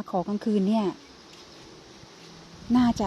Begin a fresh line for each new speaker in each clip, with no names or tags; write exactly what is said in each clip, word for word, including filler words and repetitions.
ขอกลางคืนเนี่ยน่าจะ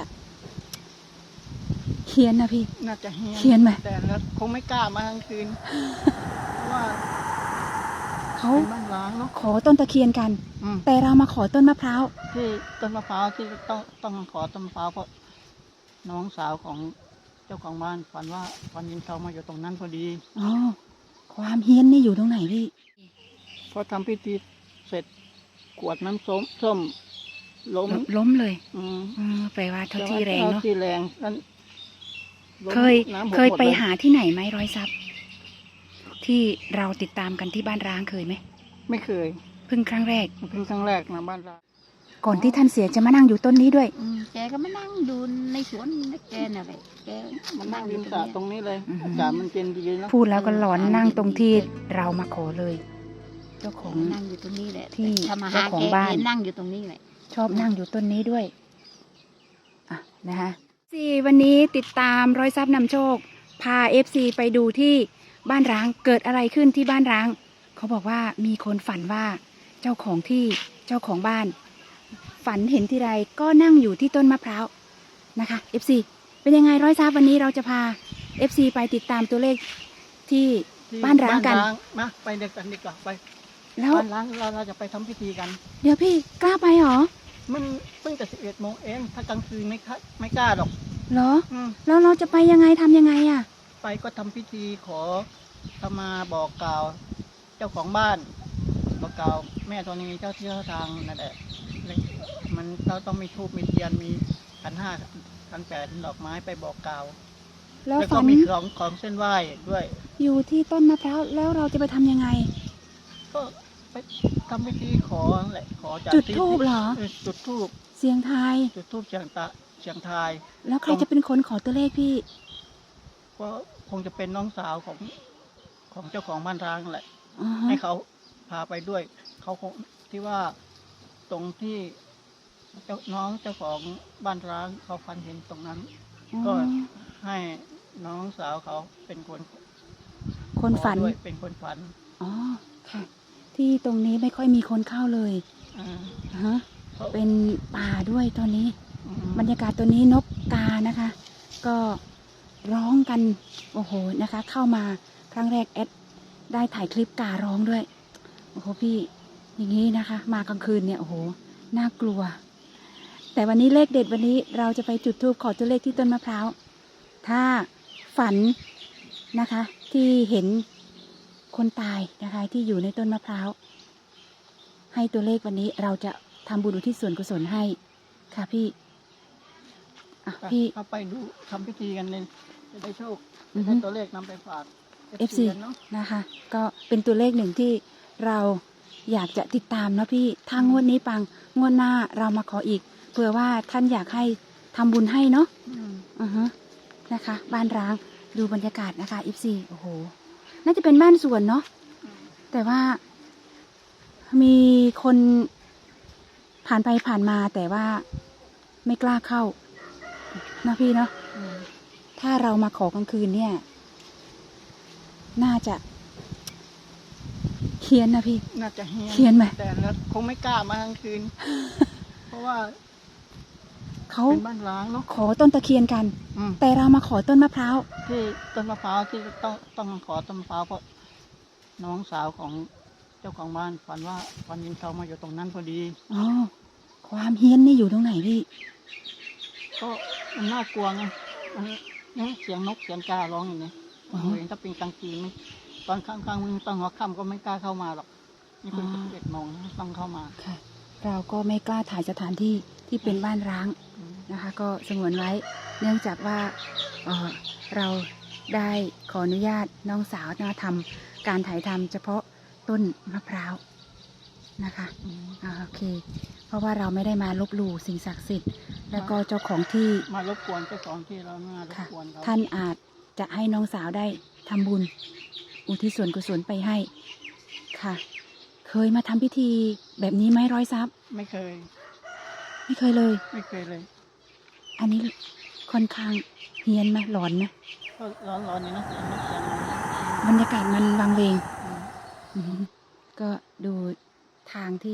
เฮี้ยนนะพี่
น่าจะเฮี้ยน
เฮี้ยนไหม
แต่แล้วคงไม่กล้ามากลางคืน เพราะว่า
เขา
เป็นบ้านร้างเนาะ
ขอต้นตะเคียนกันแต่เรามาขอต้นมะพร้าว
ที่ต้นมะพร้าวที่ต้องต้องขอต้นมะพร้าวเพราะน้องสาวของเจ้าของบ้านฝันว่าวันยินทองมาอยู่ตรงนั้นพอดี
อ๋อความเฮี้ยนนี่อยู่ตรงไหนพี่
พอทำพิธีเสร็จกวดน้ำส้มส้มล้ม
ล้มเลย
อืม
แปลว่าเท่าที่แรงเนาะ
ที่แรงนั้น
เคยเคยไปหาที่ไหนไหมร้อยทรัพย์ที่เราติดตามกันที่บ้านร้างเคยไหม
ไม่เคย
เพิ่งครั้งแรก
เพิ่งครั้งแรกนะบ้านร้าง
ก่อนที่ท่านเสียจะมานั่งอยู่ต้นนี้ด้วย
แกก็มานั่งดูในสวนแกน่ะแหละแก
มานั่งริมสระตรงนี้เลยอากาศมันเย็นดีเนาะ
พูดแล้วก็หลอนนั่งตรงที่เรามาขอเลยเจ้าของ
นั่งอยู่ตรงนี้แหละ
ที่
เจ้าของบ้านนั่งอยู่ตรงนี้แหละ
ชอบนั่งอยู่ต้นนี้ด้วยอ่ะนะคะสี่วันนี้ติดตามร้อยทรัพย์นำโชคพาเอฟซีไปดูที่บ้านร้างเกิดอะไรขึ้นที่บ้านร้างเขาบอกว่ามีคนฝันว่าเจ้าของที่เจ้าของบ้านฝันเห็นทีไรก็นั่งอยู่ที่ต้นมะพร้าวนะคะ เอฟ ซี เป็นยังไงร้อยทรัพย์วันนี้เราจะพา เอฟ ซี ไปติดตามตัวเลขที่บ้านร้างกัน
มาไปเด็กกันดีกว่าไป
แล้ว
บ้านร้างเราเราจะไปทำพิธีกัน
เดี๋ยวพี่กล้าไปหรอ
มันเพิ่งจะสิบเอ็ดโมงเองถ้ากลางคืนไม่ไม่กล้าหรอก
เหรอแล้วเราจะไปยังไงทำยังไงอ่ะ
ไปก็ทำพิธีขอขมาบอกกล่าวเจ้าของบ้านบอกกล่าวแม่ธรณีเจ้าที่เจ้าทางนั่นแหละมันเราต้องมีธูปมีเทียนมีขันห้าขันแปดดอกไม้ไปบอกกล่าวแล้วก็มีของของเส้นไหว้ด้วย
อยู่ที่ต้นมะพร้าวแล้วเราจะไปทำยังไง
ก็ไปทำพิธีขอแหละขอจาก
จุดธูปเหรอ
จุดธูป
เสียงทาย
จุดธูปเสียงตะเสียงทาย
แล้วใครจะเป็นคนขอตัวเลขพี่
ก็คงจะเป็นน้องสาวของของเจ้าของบ้านร้างแหละให้เขาพาไปด้วยเขาคงที่ว่าตรงที่เจ้าน้องเจ้าของบ้านร้างเขาฝันเห็นตรงนั้นก็ให้น้องสาวเขาเป็นคน
คนฝัน
เป็นคนฝัน
อ๋อค่ะที่ตรงนี้ไม่ค่อยมีคนเข้าเลยอ่าฮะเป็นป่าด้วยตอนนี้บรรยากาศตัวนี้นกกานะคะก็ร้องกันโอ้โหนะคะเข้ามาครั้งแรกแอดได้ถ่ายคลิปการ้องด้วยโอ้โหพี่อย่างนี้นะคะมากลางคืนเนี่ยโอ้โหน่ากลัวแต่วันนี้เลขเด็ดวันนี้เราจะไปจุดธูปขอตัวเลขที่ต้นมะพร้าวถ้าฝันนะคะที่เห็นคนตายนะคะที่อยู่ในต้นมะพร้าวให้ตัวเลขวันนี้เราจะทำบุญอุทิศส่วนกุศลให้ค่ะพี่อ่ะพี่
เอาไปดูทำพิธีกันเลยจะได้โชคได้ตัวเลขนำไปฝาก
เอฟ ซี นะคะก็เป็นตัวเลขหนึ่งที่เราอยากจะติดตามนะพี่ถ้างวดนี้ปังงวดหน้าเรามาขออีกเผื่อว่าท่านอยากให้ทำบุญให้เนาะอือฮึนะคะบ้านร้างดูบรรยากาศนะคะ เอฟ ซี โอ้โหน่าจะเป็นบ้านสวนเนาะแต่ว่ามีคนผ่านไปผ่านมาแต่ว่าไม่กล้าเข้านะพี่เนาะถ้าเรามาขอกลางคืนเนี่ยน่าจะเฮี้ยนนะพี่
น่าจะเฮี้ยน
เฮี้ยนไหม
แต่แล้วคงไม่กล้ามากลางคืน เพราะว่า
เขา
เป็นบ้านร้างเนาะ
ขอต้นตะเคียนกันแต่เรามาขอต้นมะพร้าว
ที่ต้นมะพร้าวที่ต้องต้องขอต้นมะพร้าวเพราะน้องสาวของเจ้าของบ้านฝันว่าวันยินทองมาอยู่ตรงนั้นพอดี
อ๋อความเฮี้ยนนี่อยู่ตรงไหนพี่
ก็มันน่ากลัวไงมันนี่เสียงนกเสียงการ้องอย่างนี้เห็นถ้าเป็นกลางคืนไม่ตอนข้างๆมึงตอนหัวค่ำก็ไม่กล้าเข้ามาหรอกนี่เป็นสิบเอ็ดโมงต้องเข้ามา
ค่ะเราก็ไม่กล้าถ่ายสถานที่ที่เป็นบ้านร้างนะคะก็สงวนไว้เนื่องจากว่า เ, เราได้ขออนุญาตน้องสาวมาทำการถ่ายทำเฉพาะต้นมะพร้าวนะคะโอเคเพราะว่าเราไม่ได้มาลบหลู่สิ่งศักดิ์สิทธิ์แล้วก็เจ้าของที่
มารบกวนเจ้าของที่เรามารบกวน
ท่านอาจจะให้น้องสาวได้ทำบุญอุทิศส่วนกุศลไปให้ค่ะเคยมาทำพิธีแบบนี้ไหมร้อยทรัพย์
ไม่เคย
ไม่เคยเลย
ไม่เคยเลย
อันนี้ค่อนข้างเฮี้ยนไหมหลอนไหม
ก็ร้อนร้อนนี่นะ
บรรยากาศมันวังเวงก็ดูทางที่แอ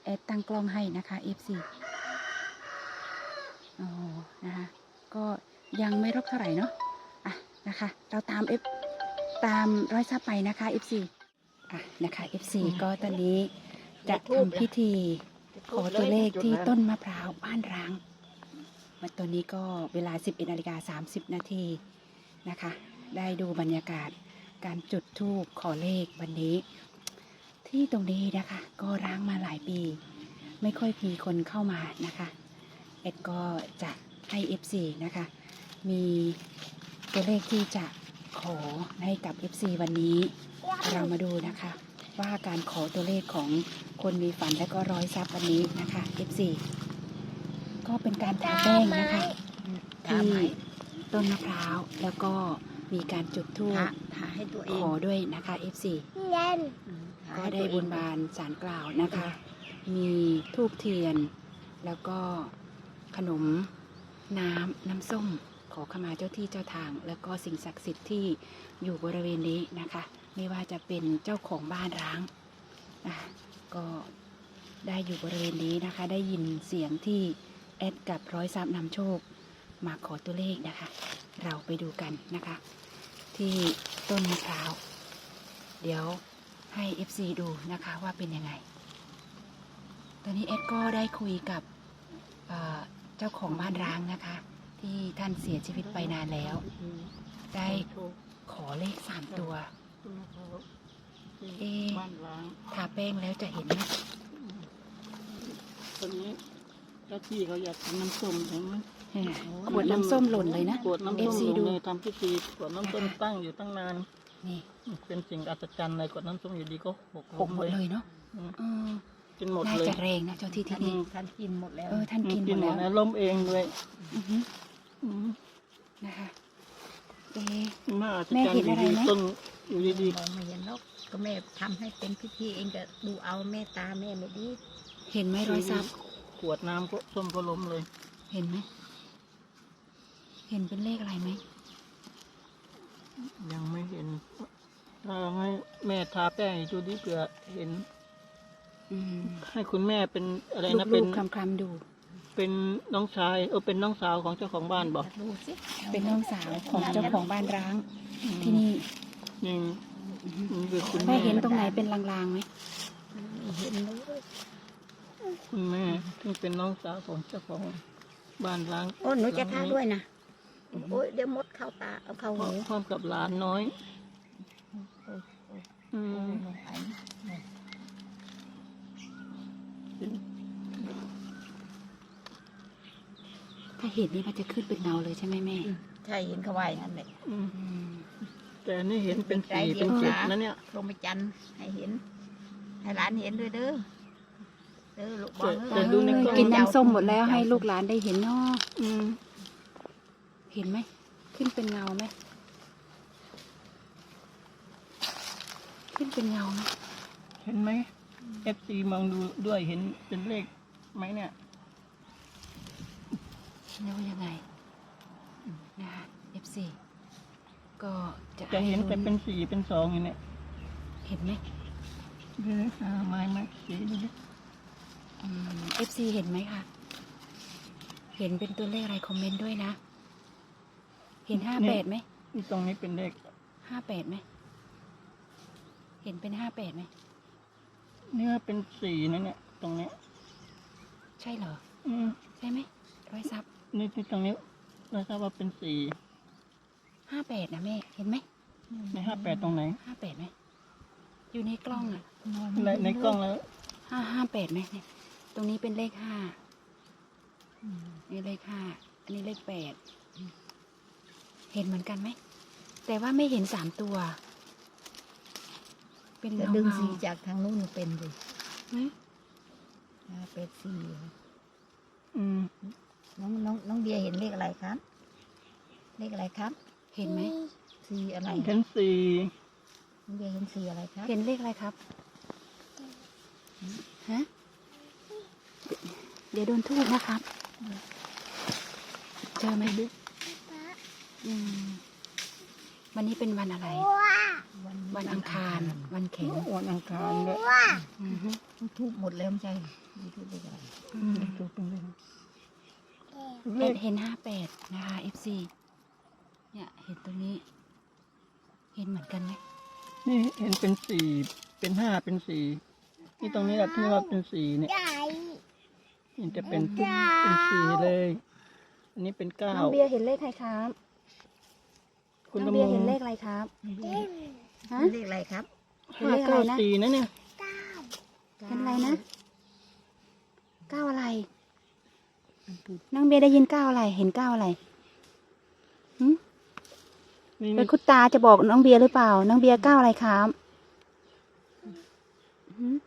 อดตั้งกล้องให้นะคะ เอฟ ซี โอ้นะคะก็ยังไม่รบเท่าไหร่เนาะอ่ะนะคะเราตาม F ตามร้อยซับไปนะคะ เอฟ ซี อ่ะนะคะ เอฟ ซี ก็ตอนนี้จะทำพิธีขอตัวเลขที่ต้นมะพร้าวบ้านร้างวันตัวนี้ก็เวลา สิบเอ็ดนาฬิกาสามสิบนาทีนะคะได้ดูบรรยากาศการจุดธูปขอเลขวันนี้ ที่ตรงนี้นะคะก็ร้างมาหลายปี ไม่ค่อยมีคนเข้ามานะคะเอ็ดก็จะให้ เอฟ ซี นะคะมีตัวเลขที่จะขอให้กับ เอฟ ซี วันนี้เรามาดูนะคะว่าการขอตัวเลขของคนมีฝันและก็ร้อยซับวันนี้นะคะ เอฟ ซี ก็เป็นการทาแป้งนะคะที่ต้นมะพร้าวแล้วก็มีการจุดธูป
ทาให้ตัวเอ
ของ ด้วยนะคะ เอฟ ซี ก็ได้บนบานสารกล่าวนะคะ มีธูปเทียน แล้วก็ขนมน้ำน้ำส้ม ขอขมาเจ้าที่เจ้าทาง แล้วก็สิ่งศักดิ์สิทธิ์ที่อยู่บริเวณนี้นะคะ ไม่ว่าจะเป็นเจ้าของบ้านร้างนะก็ได้อยู่บริเวณนี้นะคะ ได้ยินเสียงที่แอดกับร้อยซับนำโชคมาขอตัวเลขนะคะ เราไปดูกันนะคะ ที่ต้นมะพร้าว เดี๋ยวให้ เอฟ ซี ดูนะคะว่าเป็นยังไง ตอนนี้เอ็ดก็ได้คุยกับเอ่อเจ้าของบ้านร้างนะคะ ที่ท่านเสียชีวิตไปนานแล้ว ได้ขอเลขสามตัว เอ๊ะ
บ้านร้าง
ทาแป้งแล้วจะเห็นไหม
ตอนนี้เจ้าที่เขาอยากทำน้ำส้มเห็นไหม
เออขวดน้ำส้มหล่นเลยนะ
ขวดน้ำ
เอ
ส้
ฟ
ม
ซี
ลง
ดู
เลยทำพิธีขวดน้ำส้มตั้งอยู่ตั้งนาน
นี่
เป็นสิ่งอัศจรรย์เลยขวดน้ำส้มอยู่ดีก็หก
หกหมดเลยเนาะ
อืม
เออ
กินหมด
น่า
เลย
จะแรงนะเจ้าที่ที่นี่
ท่านกินหมดแล้ว
เออท่านกินหมด
หม
แล้
ด
ว
แล้วล้มเองด้วย
อือหือ
อืม
นะคะเอ๊ะ
น่าอัศ
แม่
จรร
เห็
ย์
น
อยู่
อะไร
ดี
ไหม
ต้นอยู่ดี
มองไม่เห็นหรอกก็แม่ทำให้เป็นพิธีเองก็ดูเอาแม่ตาแม่ไม่ดี
เห็นไหม
ๆ
ร้อยซับ
ขวดน้ำก็ส้มก็ล้มเลย
เห็นไหม เห็นเป็นเลขอะไรไหม
ยังไม่เห็นถ้าให้แม่ทาแป้งอีกดูดิเผื่อเห็น
อืม
ให้คุณแม่เป็นอะไรนะ
ลู
เป็น
กๆคลำๆดู
เป็นน้องชายเออเป็นน้องสาวของเจ้าของบ้านบอก
ดูสิ
เป็นน้องสาวของเจ้าของบ้านร้างที่นี่
นี่
อือหือ
นี่คือคุณ
แม่
แม่
เห็นตรงไหนเป็นลางๆไหม
ไม่เห็นเลย
คุณแม่ที่เป็นน้องสาวของเจ้าของบ้านล้าง
โอ้หนูจะทาด้วยนะโอ้ยเดี๋ยวมดเข้าตาเอาเข้า
พร้อ
หู
มพร้อมกับหลานน้อยอืม
ถ้าเห็นนี่มันจะขึ้นเป็นเงาเลยใช่ไหมแม่
ใช่เห็นเขาว่าอย่างนั้นเลย
อืม
อืม
แต่นี่เห็นเป็นสี
เดี๋
เป็
ย
น
ว
เจ็ด
นะ
นะเนี่ย
พรหมจันทรย์ให้เห็น ให้หลานเห็นด้วยเด้อเด้อลูกบอล
แต่ ดูในกล้อง
กินน้ำส้มหมดแล้วให้ลูกหลานได้เห็นเนาะ
อืม
เห็นไหม ขึ้นเป็นเงาไหม ขึ้นเป็นเงาไหม
เห็นไหมเอฟซีมองดูด้วยเห็นเป็นเลขไหมเนี่ย
แล้วยังไงนะคะ เอฟ ซี ก็จะ
จะเห็นแต่
ให้
เป็นสีเป็นสองอย่างเนี้ย
เห็นไหม
ดูดิอ่าไม้ไหมสีดูดิ
อืม เอฟ ซี เห็นไหมคะ เห็นเป็นตัวเลขอะไรคอมเมนต์ด้วยนะ เห็นห้าแปดไหม
นี่ตรงนี้เป็นเลข
ห้าแปดไหม เห็นเป็นห้าแปดไหม
เนี่ยเป็นสีนะเนี่ยตรงเนี้ย
ใช่เหรอ
อืม
ใช่ไหม ร้อยซับ
นี่ที่ตรงนี้เราทราบว่าเป็นสี
ห้าแปดนะแม่ เห็นไหม
ในห้าแปดตรงไหน
ห้าแปดไหม อยู่ในกล้องอ่ะ
ในในกล้องแล้ว
ห้าห้าแปดไหมเนี่ยตรงนี้เป็นเลขห้านี่เลขห้า อันนี้เลขแปด เห็นเหมือนกันไหม แต่ว่าไม่เห็นสามตัว เป็น
จะ
เงา
ดึง
เงา
สีจากทางนู้นเป็นเลย
ไหม
เป็ดสี
อืม
น้องน้องน้องเบียร์เห็นเลขอะไรครับ เลขอะไรครับ
เห็นไหม
สีอะไร
เห็นสี
น้องเบียร์เห็นสีอะไรครับ
เห็นเลขอะไรครับ ฮะ เดี๋ยวโดนทูบนะครับ เจอไหมอืมวันนี้เป็นวันอะไร วันอังคาร วันแข็ง
วันอังคารด้วย
อือฮึ
ทุบหมดแล้วไม่ใช่
อ
นี่คือเลขอะไร
อืม
ดูเป็นเลข
เอ็ดเห็นห้าแปดนะคะ เอฟ ซี เนี่ยเห็นตรงนี้ เห็นเหมือนกันไหม
นี่เห็นเป็นสี่เป็นห้าเป็นสี่นี่ตรงนี้แหละที่ว่าเป็นสี่เนี่ยนี่จะเป็นเป็นสี่เลย อันนี้เป็นเก้า
น้องเบียร์เห็นเลขใครครับ
คุณ
น้อง
ตำ
เบี
ร
ยร์
ว
เห็นเล
จ
ขอะไรครับ ฮะ
เลขอะไรครับ
เห็น
ห้า
เลขอะไร
เก้า
นะ
สี่นะเนี่ย
เห็นอะไรนะเก้าอะไร น้องเบียร์ได้ยินเก้าอะไร เห็นเก้าอะไรหืม
นี่
เป็นคุณตาจะบอกน้องเบียร์หรือเปล่า น้องเบียร์เก้าอะไรครับหืม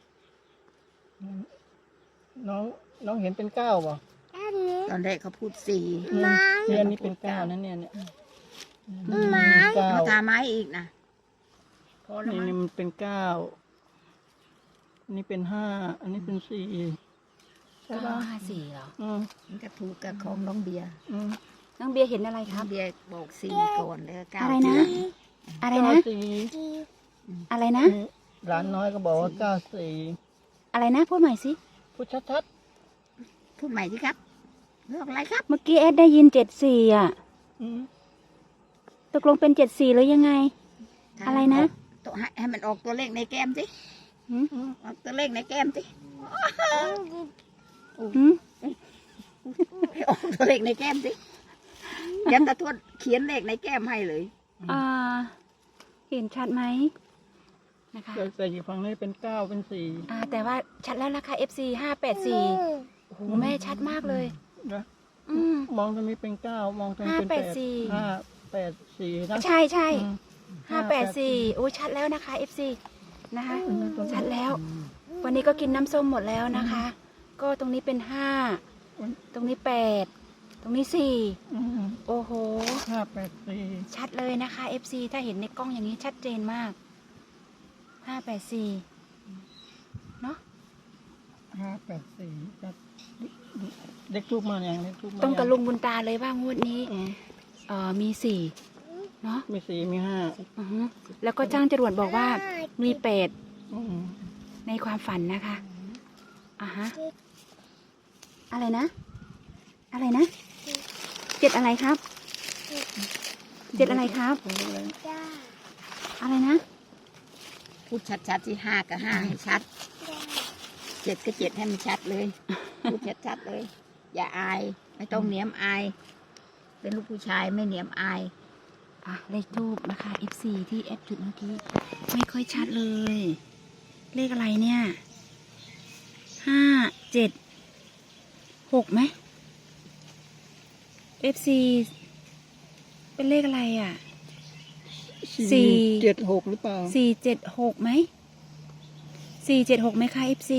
น้องน้องเห็นเป็นเก้าป่ะ
ตอนแรกเขาพูดสี่
เนี่ยอันนี้เป็นเก้านั่นเนี่ยเนี่ยเก้า
มาทาไม้อีกนะพอแล้ว
นี่
มั้ง
นี่มันเป็นเก้าอันนี้เป็นห้าอันนี้เป็นสี่ใช่
เก้า
ป่ะ
ห้าสี่เหรอ
อืม
มันก็ถูกกับของน้องเบียร์
อืม
น้องเบียร์เห็นอะไรค
น้อ
รั
ง
บ
เบียร์บอกสี่ก่อนแล้วเก้า
อะไร
ที
นะ
หลัง
อะไร
เก้า
นะ
สี่
อะไรนะ
นี่หลานน้อยก็บอกว่าเก้าสี่
อะไรนะ พูดใหม่สิ
พูดชัด
พูดใหม่สิครับเรื่องอะไรครับ
เมื่อกี้เอสได้ยินเจ็ดสี่อ่ะ
ๆอืม
ตกลงเป็นเจ็ดสี่หรือยังไง อะไรนะ
ตัวให้ให้มันออกตัวเลขในแก้มสิ
หืม
ออกตัวเลขในแก้มสิ
หืม
ให้ออกตัวเลขในแก้มสิยันตะทวดเขียนเลขในแก้มให้เลย
อ่า เห็นชัดไหมนะคะ
แต่แต่อยู่ฝั่งนี้เป็นเก้าเป็นสี่
อ่า แต่ว่าชัดแล้วนะคะ เอฟ ซี ห้าแปดสี่โอ้โหแม่ชัดมากเลย
นะ
อืม
มองตรงนี้เป็นเก้ามองตรงนี้เป็น
ห้าแปดสี่
ห้าแปดสี่นะ
ใช่ใช่
อืม
ห้าแปดสี่โอ้ยชัดแล้วนะคะ เอฟ ซี นะคะ
อืมตรงนี้
ชัดแล้ว วันนี้ก็กินน้ำส้มหมดแล้วนะคะ ก็ตรงนี้เป็นห้า ตรงนี้แปด ตรงนี้สี่
อืม
โอ้โห
ห้าแปดสี่
ชัดเลยนะคะ เอฟ ซี ถ้าเห็นในกล้องอย่างนี้ชัดเจนมาก ห้าแปดสี่ เนาะ
ห้าแปดสี่จะเด็กทูบมาอย่างเด็กทูบมา
ตรงกับ
ยั
ลุงบุญตาเลยว่างวดนี้
อืม
เอ่อ มีสี่ เนาะ
มีสี่มีห้า
อือฮึแล้วก็จ้างจรวดบอกว่ามีแปด
อืม
ในความฝันนะคะอ่ะฮะ อะไรนะ อะไรนะ เจ็ดอะไรครับ เจ็ดอะไรครับ อะไรนะ
พูดชัดๆที่ห้ากับห้าให้ชัดเจ็ดก็เจ็ดให้มันชัดเลย พูดชัดๆเลย อย่าอาย ไม่ต้องเหนียมอาย เป็นลูกผู้ชายไม่เหนียมอาย
อ่ะ เลขทูบนะคะ เอฟ ซี ที่แอดจุดเมื่อกี้ ไม่ค่อยชัดเลย เลขอะไรเนี่ย ห้า เจ็ด หกไหม เอฟ ซี เป็นเลขอะไรอ่ะ สี่
เจ็ดหกหรือเปล่า
สี่เจ็ดหกไหม สี่เจ็ดหกไหมคะ เอฟ ซี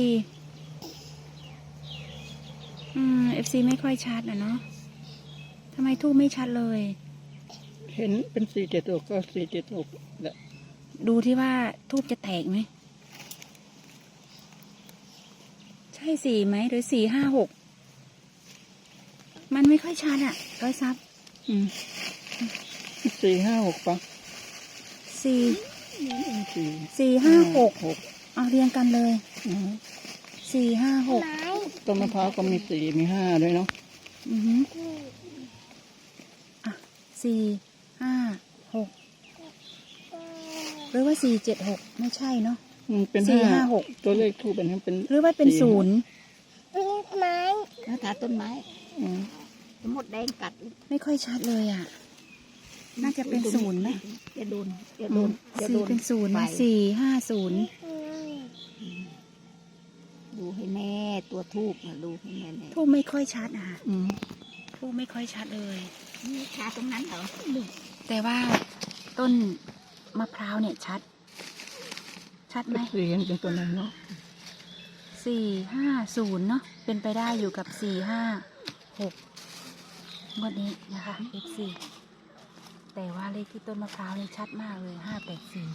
อืม เอฟ ซี ไม่ค่อยชัดนะเนาะทำไมทูบไม่ชัดเลย
เห็นเป็นสี่เจ็ดหกก็สี่เจ็ดหกแหละ
ดูที่ว่าทูบจะแตกไหม ใช่สี่ไหมหรือสี่ห้าหก มันไม่ค่อยชัดอะร้อยซับ
อืมสี่ห้าหกปะ
สี่
สี่
สี่ห้าหก
หก
เอาเรียงกันเลย
อืม
สี่ห้าหก
ต้นมะพร้าวก็มีสี่มีห้าด้วยเนาะ
อือฮึอ่ะสี่ห้าหกหรือว่าสี่เจ็ดหกไม่ใช่เนาะ
อืมเป็น
สี่
ห้า
ห้าหก
ตัวเลขทูบเป็นเป็น
หรือว่าเป็น
สี่
ศูนย์
แล้วถาต้นไม้
อืม
มดแดงกัด
ไม่ค่อยชัดเลยอ่ะ น่าจะเป็นศูนย์ไหม
อย่าโดนอย่าโดนอย่าโด
สี่
น
เป็นศูนย์
ไฟ
นะสี่ห้าศูนย์
ดูให้แน่ตัวทูบนะดูให้แน่แน่
ทูบไม่ค่อยชัดอ่ะ
อืม
ทูบไม่ค่อยชัดเลย
นี่ทาตรงนั้นเหรอ
แต่ว่าต้นมะพร้าวเนี่ยชัด ชัดไหม
สี่เห็นเป็นตัวนั้นเนาะ
สี่ห้าศูนย์เนาะเป็นไปได้อยู่กับสี่ห้าหกงวดนี้นะคะ เอฟ ซี แต่ว่าเลขที่ต้นมะพร้าวนี่ชัดมากเลยห้าแปดสี่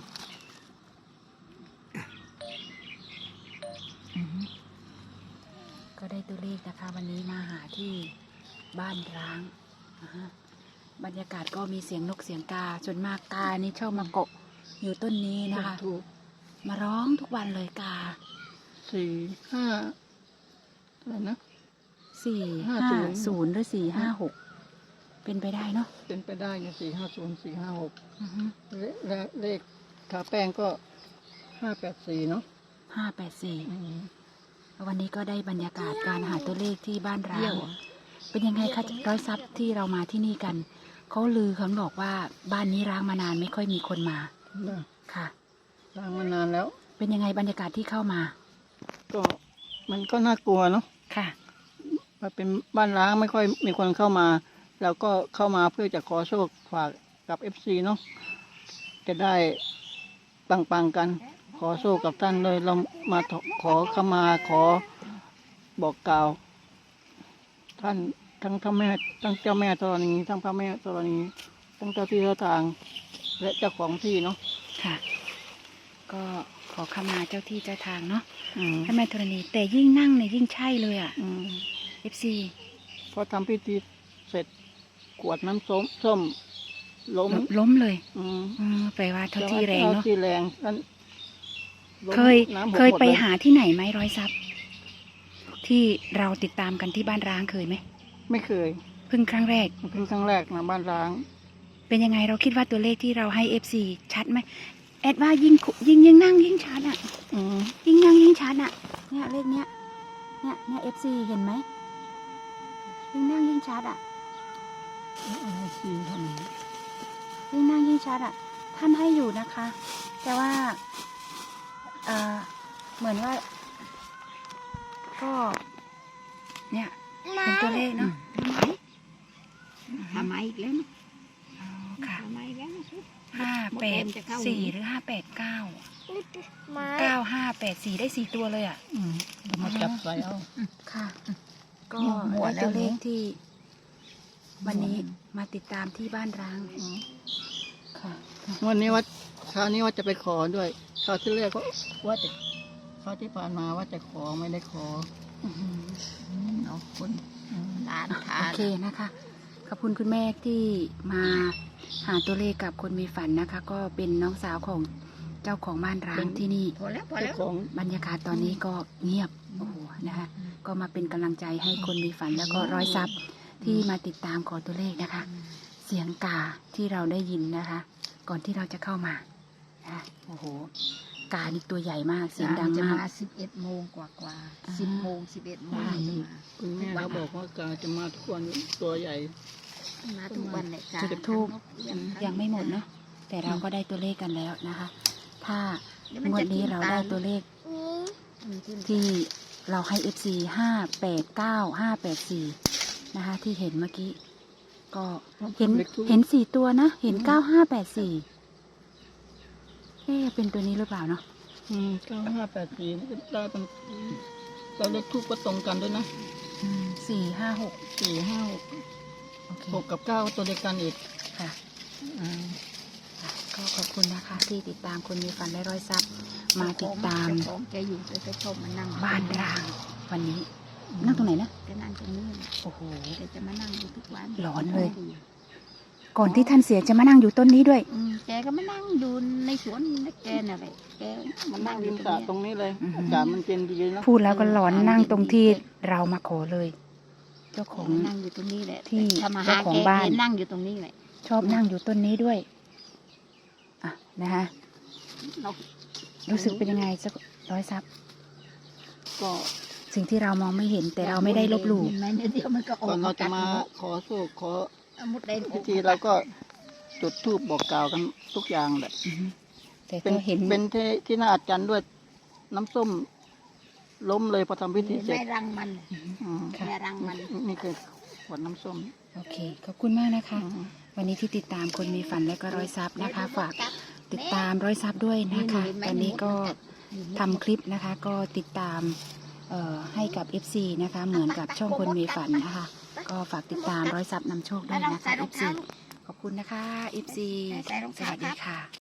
ก็ได้ตัวเลขนะคะ วันนี้มาหาที่บ้านร้างนะฮะบรรยากาศก็มีเสียงนกเสียงกาส่วนมากกานี่ชอบมาเกาะอยู่ต้นนี้นะคะ
ถูก
มาร้องทุกวันเลยกา
สี่ห้าอะไรนะ
สี่
ห้า
ห้า
ศูนย์
ศูนย์หรือสี่ห้าหกเป็นไปได้เนาะ
เป็นไปได้ไงสี่ห้าศูนย์สี่ห้าหก
อือฮึ
และเลขทาแป้งก็ห้าแปดสี่เนาะ
ห้าแปดสี่
อืม
วันนี้ก็ได้บรรยากาศการหาตัวเลขที่บ้านร้า
เยี่
ง
ยว
เป็นยังไงคะร้อยทรัพย์ที่เรามาที่นี่กันเขาลือเขาบอกว่าบ้านนี้ร้างมานานไม่ค่อยมีคนมา
นะ
ค่ะ
สร้างมานานแล้ว
เป็นยังไงบรรยากาศที่เข้ามา
ก็มันก็น่ากลัวเนาะ
ค่ะ
มันเป็นบ้านร้างไม่ค่อยมีคนเข้ามาเราก็เข้ามาเพื่อจะขอโชคฝากกับเอฟซีเนาะจะได้ปังๆกัน ขอโชคกับท่านเลยเรามาขอขมาขอบอกกล่าว ท่านทั้งท่านแม่ทั้งเจ้าแม่ธรณีทั้งพระแม่ธรณีทั้งเจ้าที่เจ้าทาง และเจ้าของที่เนาะ
ค่ะ ก็ขอขมาเจ้าที่เจ้าทางเนาะ
อืม
ให้แม่ธรณีแต่ยิ่งนั่งเนี่ยยิ่งใช่เลยอ่ะ
อืม
เอฟซี
พอทำพิธีเสร็จกวดน้ำส้มส้มล้ม
ล้มเลย
อืม
อืมแปลว่าเท่าที่แรงเนาะ
ท่ที่แรงนั้นล้ม
เคย
น้ำหก
เคย
หมด
ไป
ล
หาที่ไหนไหมร้อยทรัพย์ ที่เราติดตามกันที่บ้านร้างเคยไหม
ไม่เคย
เพิ่งครั้งแรก
มันเพิ่งครั้งแรกนะบ้านร้าง
เป็นยังไงเราคิดว่าตัวเลขที่เราให้เอฟซีชัดไหมแอดว่ายิ่งคุยิ่งยิ่งนั่งยิ่งชัดอ่ะ
อืม
ยิ่งนั่งยิ่งชัดอ่ะ เนี่ยเลขเนี้ย เนี่ยเนี่ยเอฟซีเห็นไหมยิ่งนั่งยิ่งชัดอ่ะ
เอาซีทำ
ยิ่งนั่งยิ่งชัดอ่ะ ท่านให้อยู่นะคะ แต่ว่าเอ่อเหมือนว่า ก็ เนี่ยเป็นตัวเลขเนาะ
ทำไมอีกแล้วนะ
อ๋อค่ะ
ทำไมอีกแล้วนะ
ห้าแปดสี่หรือห้าแปดเก้าเก้าห้าแปดสี่ได้สี่ตัวเลยอ่ะ
อืมเอามาจับใส่เอา
ค่ะ ก็
หมวด
ได้
แล้ว
ตัวเลข
เนอะ
ที่ วันนี้มาติดตามที่บ้านร้าง
อืม
ค่ะ
วันนี้ว่าคราวนี้ว่าจะไปขอด้วยคราวที่แรกก็ว่าจะคราวที่ผ่านมาว่าจะขอไม่ได้ขอ
อื้อหือ
เอาคนหลานทา
โอน เคนะคะ ขอบคุณคุณแม่ที่มาหาตัวเลขกับคนมีฝันนะคะ ก็เป็นน้องสาวของเจ้าของบ้านร้างที่นี่
พอแล้วพอ
เจ้า
แล้ว
ของ
บรรยากาศตอนนี้ก็เงียบ โอ้โห นะคะ ก็มาเป็นกำลังใจให้คนมีฝันแล้วก็ร้อยซับที่มาติดตามขอตัวเลขนะคะ เสียงกาที่เราได้ยินนะคะ ก่อนที่เราจะเข้ามานะโอ้โห กานี่ตัวใหญ่มาก เสียงดัง
จะ
มาก
มาสิบเอ็ดโมงกว่ากว่า
อ่า
สิบโมงสิบเอ็ดโมงจะมา
คุณแม่เขาบอกว่ากาจะมาทุกวันตัวใหญ่
มาทุกวันเลยจ้า
จุดธูป ยังไม่หมดเนาะ แต่เราก็ได้ตัวเลขกันแล้วนะคะ ถ้างวดนี้เราได้ตัวเลขที่เราให้ เอฟ ซี ห้า แปด เก้า ห้า แปด สี่ นะคะ ที่เห็นเมื่อกี้ ก็เห็น
เล็กทุก
เห็นสี่ตัวนะ เห็นเก้า ห้า แปด สี่เอ๊ะเป็นตัวนี้หรือเปล่าเนาะ
อืมเก้าห้าแปดสี่ได้เป็นเราเลขทูปก็ตรงกันด้วยนะ
อืมสี่ ห้า หก
สี่ห้าหก
โอเค
หกกับเก้าตัวเดียวกันอีก
ค่ะ
อ่า
ก็ขอบคุณนะคะ ที่ติดตามคนมีฝันและร้อยทรัพย์ มาติดตาม
เจ้ของแกอยู่แกก็ชอบมานั่ง
บ้านร้าง วันนี้ นั่งตรงไหนนะ
แกนั่งตรงนี้
โอ้โห
แกจะมานั่งอยู่ทุกวัน
หลอนเลย ก่อนที่ท่านเสียจะมานั่งอยู่ต้นนี้ด้วย
อืมแกก็มานั่งอยู่ในสวนแกน่ะแหละแกมา
นั่
นั่
ง
งอ
ริ
ยู่
ม
ต
ส
ร
ระ
ง
ตรง
นี้
นี้เลย
อือหือ
อากาศมันเย็นดีเนาะ
พูดแล้วก็หลอนนั่งตรงที่เรามาขอเลย เจ้าของ
นั่งอยู่ตรงนี้แหละ
ที่
ถ้ามาหา
เจ้าของ
แก
บ้าน
แกนั่งอยู่ตรงนี้แหละ
ชอบนั่งอยู่ต้นนี้ด้วย อ่ะ นะคะ
เรา
รู้สึกเป็นยังไงสักร้อยซับ
ก็
สิ่งที่เรามองไม่เห็นแต่เราไม่ได้ลบหลู่
เห็นไหมเนี่ยเดี๋ยวมันก็ออ
ก่อก นเราจะ
กัด
มา
หด
ขอโชคขอ
เอามุดแดง
พิธีเราก็จุดธูปบอกกล่าวกันทุกอย่างแหละ
อือฮึแต่
เป็น
ก็เห็น
เป็นที่ที่น่าอัศจรรย์ด้วยน้ำส้มล้มเลยพอทำพิธีเสร็จ
ไม่รังมัน
อือฮึ
อืม
ค่ะ
แม่รังมัน
นี่คือขวดน้ำส้ม
โอเค ขอบคุณมากนะคะ
อืม
วันนี้ที่ติดตามคนมีฝันและก็ร้อยซับนะคะ ฝากติดตามร้อยซับด้วยนะคะ ตอนนี้ก็ทำคลิปนะคะ ก็ติดตามเอ่อให้กับ เอฟ ซี นะคะ เหมือนกับช่องคนมีฝันนะคะ ก็ฝากติดตามร้อยซับนำโชคด้วยนะคะ เอฟ ซี ขอบคุณนะคะ เอฟ ซี
ใส่รอง
ส
เท้า
วัส
ค
ดี
รับ
ค่ะ